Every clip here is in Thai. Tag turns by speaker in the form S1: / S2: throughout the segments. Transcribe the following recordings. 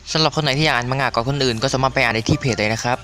S1: สำหรับคนไหนที่อยากอ่านมังงะก่อนคนอื่นก็สามารถไปอ่านได้ที่เพจเลยนะครับ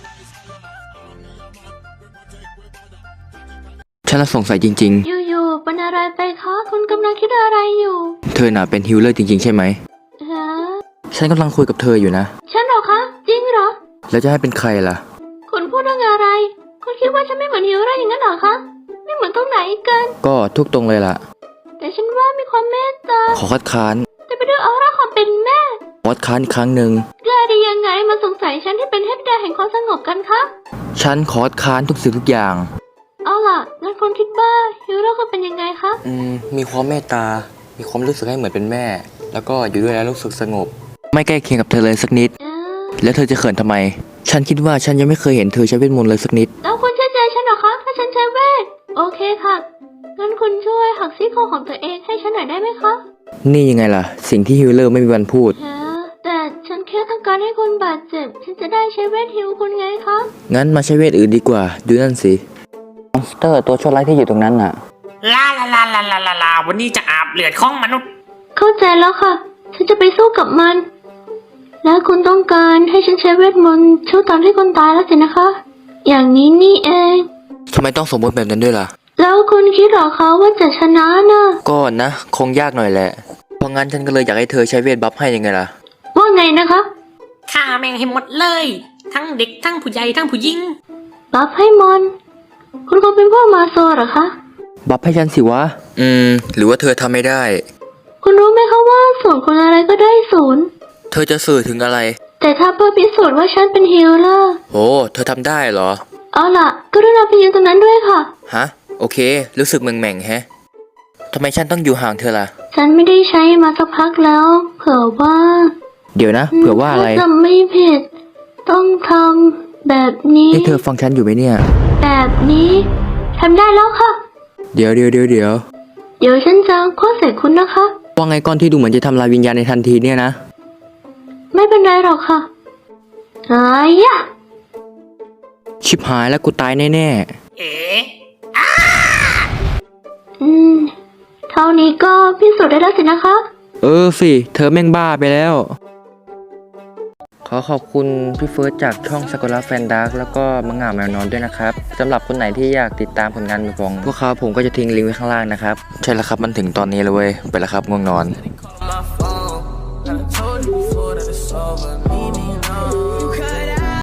S1: ฉันละสงสัยจริง
S2: อยู่ๆเป็นอะไรไปคะคุณกำลังคิดอะไรอยู่
S1: ๆเธอน่ะเป็นฮิลเลอร์จริงๆใช่ไหม
S2: ฮะ
S1: ฉันกำลังคุยกับเธออยู่นะ
S2: ฉันเหรอคะจริงเหรอ
S1: แล้วจะให้เป็นใครล่ะ
S2: คุณพูดเรื่องอะไรคุณคิดว่าฉันไม่เหมือนฮิลเลอร์อย่างนั้นเหรอคะไม่เหมือนตรงไหนกัน
S1: ก็ทุกตรงเลยล่ะ
S2: แต่ฉันว่ามีความเมตตา
S1: ขอคัดค้าน
S2: แต่ไปด้วยออร่าความเป็นแม่
S1: ขอคัดค้านอีกครั้งหนึ่ง
S2: กล้าได้ยังไงมาสงสัยฉันที่เป็นเทพธิดาแห่งความสงบกันคะ
S1: ฉันขอคัดค้านทุกสิ่งทุกอย่าง
S2: เอาล่ะงั้นคุณคิดว่าฮิลเลอร์ควรเป็นยังไงคะ
S1: มีความเมตตามีความรู้สึกให้เหมือนเป็นแม่แล้วก็อยู่ด้วยแล้วรู้สึกสงบไม่ใกล้เคียงกับเธอเลยสักนิดแล้วเธอจะเขินทำไมฉันคิดว่าฉันยังไม่เคยเห็นเธอใช้เวทมนต์เลยสักนิด
S2: แล้วคุณเชื่อใจฉันเหรอคะถ้าฉันใช้เวทโอเคค่ะงั้นคุณช่วยหักซี่โครงของตัวเองให้ฉันหน่อยได้ไหมคะ
S1: นี่ยังไงล่ะสิ่งที่ฮิลเลอร์ไม่มีวันพูด
S2: แต่ฉันแค่ต้องการให้คุณบาดเจ็บฉันจะได้ใช้เวทฮิลคุณไงคะ
S1: งั้นมาใช้เวทอื่นดีกว่าดูนั่นสิมอนสเตอร์ตัวชั่วร้ายที่อยู่ตรงนั้นน่ะ
S3: ลาวันนี้จะอาบเลือดของมนุษย์
S2: เข้าใจแล้วค่ะฉันจะไปสู้กับมันและคุณต้องการให้ฉันใช้เวทมนต์ช่วยตอนที่คนตายแล้วสินะคะอย่างนี้นี่เอง
S1: ทำไมต้องสมมติแบบนั้นด้วยล่ะ
S2: แล้วคุณคิดหรอคะว่าจะชนะนะ
S1: ก็นะคงยากหน่อยแหละเพราะงั้นฉันก็เลยอยากให้เธอใช้เวทบัฟให้ยังไงล่ะ
S2: ว่าไงนะคะ
S3: ฆ่าแม่งให้หมดเลยทั้งเด็กทั้งผู้ใหญ่ทั้งผู้หญิง
S2: บัฟให้มอนคุณคงเป็นพวกมาโซเหรอคะ
S1: บัฟให้ฉันสิวะหรือว่าเธอทำไม่ได้
S2: คุณรู้ไหมคะว่าศูนย์คนอะไรก็ได้ศูนย์
S1: เธอจะสื่อถึงอะไร
S2: แต่ถ้าเพื่อพิสูจน์ว่าฉันเป็นฮีลเลอร์
S1: โอ้เธอทำได้เหรอ
S2: เอาล่ะก็รุณาไปยืนตรงนั้นด้วยค่ะ
S1: ฮะโอเครู้สึกแหม่งแฮะทำไมฉันต้องอยู่ห่างเธอล่ะ
S2: ฉันไม่ได้ใช้มาสักพักแล้วเผื่อว่า
S1: เดี๋ยวนะเผื่อว่าอะไร
S2: ถ้าจำไม่ผิดต้องทำแบบนี้
S1: นี่เธอฟังฉันอยู่ไหมเนี่ย
S2: แบบนี้ทำได้แล้วค่ะ
S1: เดี๋ยว
S2: ฉันจะคว้าใส่คุณนะคะ
S1: ว่าไงก้อนที่ดูเหมือนจะทำลายวิญญาณในทันทีเนี่ยนะ
S2: ไม่เป็นไรหรอกค่ะ
S1: ชิบหายแล้วกูตายแน่
S2: เท่านี้ก็พิสูจน์ได้แล้วสินะคะ
S1: สิเธอแม่งบ้าไปแล้วขอขอบคุณพี่เฟิร์สจากช่องสกุลาแฟนดาร์กแล้วก็มังงะแมวนอนด้วยนะครับสำหรับคนไหนที่อยากติดตามผลงานของพวกเขาผมก็จะทิ้งลิงก์ไว้ข้างล่างนะครับใช่แล้วครับมันถึงตอนนี้แล้วเว้ยไปแล้วครับง่วงนอน